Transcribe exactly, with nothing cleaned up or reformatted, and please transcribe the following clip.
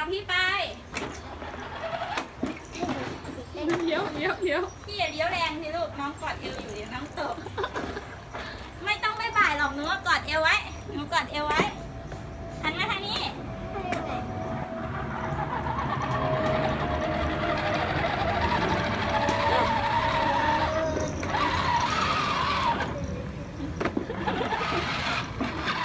พี่ไปเลี้ยวเลี้ยวเลี้ยวพี่อย่าเลี้ยวแรงสิลูกน้องกอดเอวอยู่เดี๋ยวน้องตกไม่ต้องไม่บ่ายหรอกหนูกอดเอวไว้หนูกอดเอวไว้